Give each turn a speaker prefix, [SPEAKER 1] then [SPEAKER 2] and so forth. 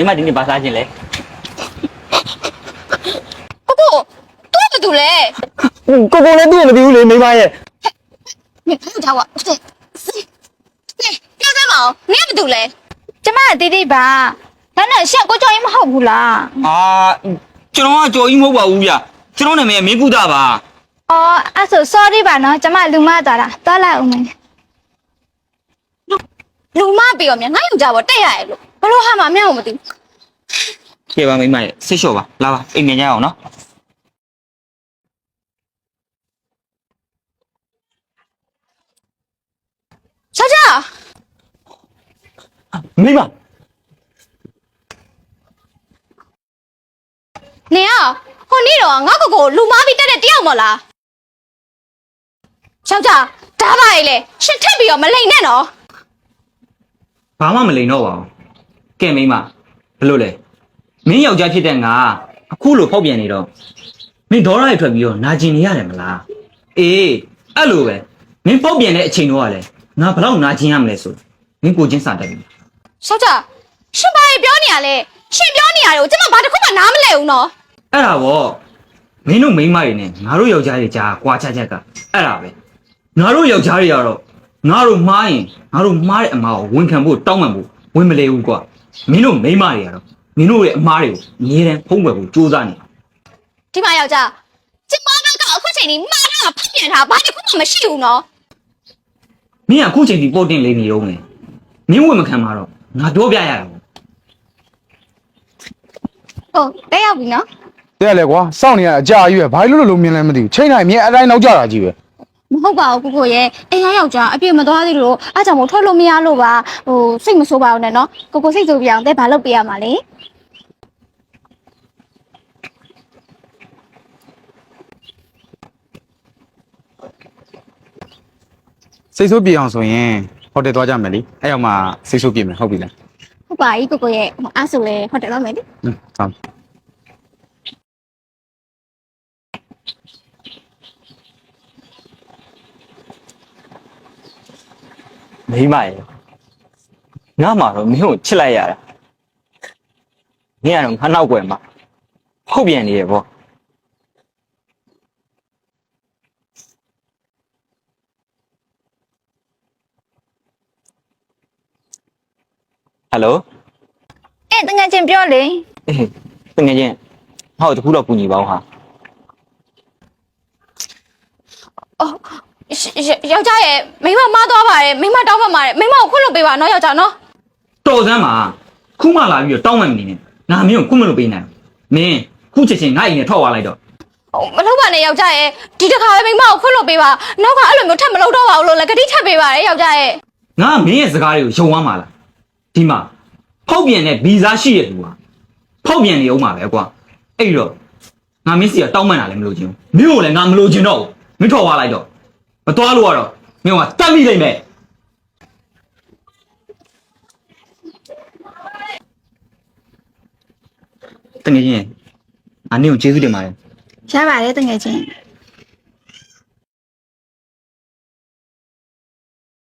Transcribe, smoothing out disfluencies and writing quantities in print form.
[SPEAKER 1] 你妈今天把啥进来？
[SPEAKER 2] 姑姑，多不多嘞？
[SPEAKER 3] ကိုကိုလည်းတွေ့မသိဘူးလေမိမရဲ့
[SPEAKER 2] 你不找我，对，标准毛，你也不多嘞？怎么弟弟吧？咱那下过叫你们好不啦？
[SPEAKER 1] 啊，这种话叫一毛八五呀，这种的没顾大吧？
[SPEAKER 2] 哦，啊说 sorry 吧喏，怎么路马到了？到了我们。路马不要命，俺又找我对下路，不路蛤蟆命我们的。
[SPEAKER 1] 给吧，没买，谁说吧？来吧，一面家好呢。
[SPEAKER 2] 小赵，
[SPEAKER 3] မိမ
[SPEAKER 2] 你啊，我你了，俺哥哥路马比带的掉么啦？小赵，打败嘞，是特别要么累呢喏。
[SPEAKER 1] ဘာမှမလိန်တော့ပါဘူးကဲမိမဘလို့လဲမင်းယောက်ျားဖြစ်တဲ့ငါအခုလိုဖောက်ပြန်နေတော့မင်းဒေါ်ရရထွက်ပြီးတော့နာကျင်နေရတယ်မလားအေးအဲ့လိုပဲမင်းဖောက်ပြန်တဲ့အချိန်တော့ကလည်းငါဘလောက်နာကျင်ရမလဲဆိုမင်းကိုချင်းစာတက်ပြီ
[SPEAKER 2] 小赵，是把你表你啊嘞，是表你啊嘞，我怎么把这块把拿没来呢？
[SPEAKER 1] အဲ့ဒါပေါ့မင်းတို့မိန်းမတွေနဲ့ငါတို့ယောက်ျားတွေကြားကွာချက်ကအဲ့ဒါပဲငါတို့ယောက်ျားတွေကတော့ငါတို့မှားရင်ငါတို့မှားတဲ့အမားကိုဝန်ခံဖို့တောင်းပန်ဖို့ဝင်မလဲဘူးကွာမင်းတို့မိန်းမတွေကတော့မင်းတို့ရဲ့အမားတွေကိုအမြဲတမ်းဖုံးကွယ်ဖို့ကြိုးစားနေ
[SPEAKER 2] ဒီမှာယောက်ျားကျမတို့ကအခုချိန်นี้မှားတာဖတ်ပြန်တာဘာတစ်ခုမှမရှိဘူးနော်
[SPEAKER 1] မင်းကအခုချိန်ဒီပေါ်တင်လေးနေတော့မယ်မင်းဝင်မခံမှာတော့ငါပြောပြရတာပေါ့
[SPEAKER 2] ဟုတ်တက်ရောက်ပြီနော်
[SPEAKER 4] တဲ့လေကွာစောင့်နေရအကြာကြီးပဲဘာလို့မြင်လဲမသိဘူးချိန်တိုင်းမြင်အတိုင်းနောက်ကြတာကြီးပဲ
[SPEAKER 2] မဟုတ်ပါဘူးကိုကိုရဲ့အိမ်ယောက်ျားအပြည့်မသွားသေးလို့အားကြောင့်မို့ထွက်လို့မရလို့ပါဟိုစိတ်မဆိုးပါဘူးနဲ့နော်ကိုကိုစိတ်ဆိုးပြအောင်တဲ့ဘာလုပ်ပေးရမှာလဲ
[SPEAKER 4] စိတ်ဆိုးပြေအောင်ဆိုရင်ဟိုတယ်သွားကြမယ်လीအဲ့ရောက်မှစိတ်ဆိုးပြေမယ်ဟုတ်ပြီလား
[SPEAKER 2] ဟုတ်ပါပြီကိုကိုရဲ့အားဆိုလဲဟိုတယ်တော့မယ်လေ
[SPEAKER 4] ဟုတ်
[SPEAKER 3] မိမရဲ့ငါမှတော့မင်းကိုချစ်လိုက်ရတာမင်းကတော့ငါနောက်ွယ်မှာဖောက်ပြန်နေရပေါ့ဟယ်လို
[SPEAKER 2] တကယ်ချင်းပြောလေ
[SPEAKER 3] အေးတကယ်ချင်းဟောတခုတော့ကူညီပါဦးဟာ
[SPEAKER 2] အော်ယောက်ျားရဲ့မိမမားသွားပါတယ်မိမတောင်းပန်ပါတယ်မိမကိုခွင့်လို့ပေးပါနော်ယောက်ျားနော်
[SPEAKER 1] တော်စမ်းပါခုမှလာပြီးတော့တောင်းမှန်မနေနဲ့ငါမင်းကိုခုမလို့ပေးနိုင်မင်းခုချက်ချင်းငါ့အိမ်နဲ့ထွက်သွားလိုက်တော့
[SPEAKER 2] မလုပ်ပါနဲ့ယောက်ျားရဲ့ဒီတစ်ခါပဲမိမကိုခွင့်လို့ပေးပါနောက်ကအဲ့လိုမျိုးထပ်မလုပ်တော့ပါဘူးလို့လည်းဂတိထပ်ပေးပါရဲ့ယောက်ျားရဲ့
[SPEAKER 1] ငါမင်းရဲ့စကားတွေကိုယုံသွားမှာလားဒီမှာဖောက်ပြန်တဲ့ဗီဇာရှိရတူဟာဖောက်ပြန်နေအောင်ပါပဲကွာအဲ့တော့ငါမင်းစီကတောင်းမှန်တာလည်းမလို့ချင်းမင်းကိုလည်းငါမလို့ချင်းတော့မင်းထွက်သွားလိုက်တော့မသွားလို့ကတော့မင်းကတတ်မိလိမ့်မယ်တကယ်ချင်းငါနင့်ကိုကျေးဇူးတင်ပါတယ်
[SPEAKER 2] ရပါတယ်တကယ်ချင်း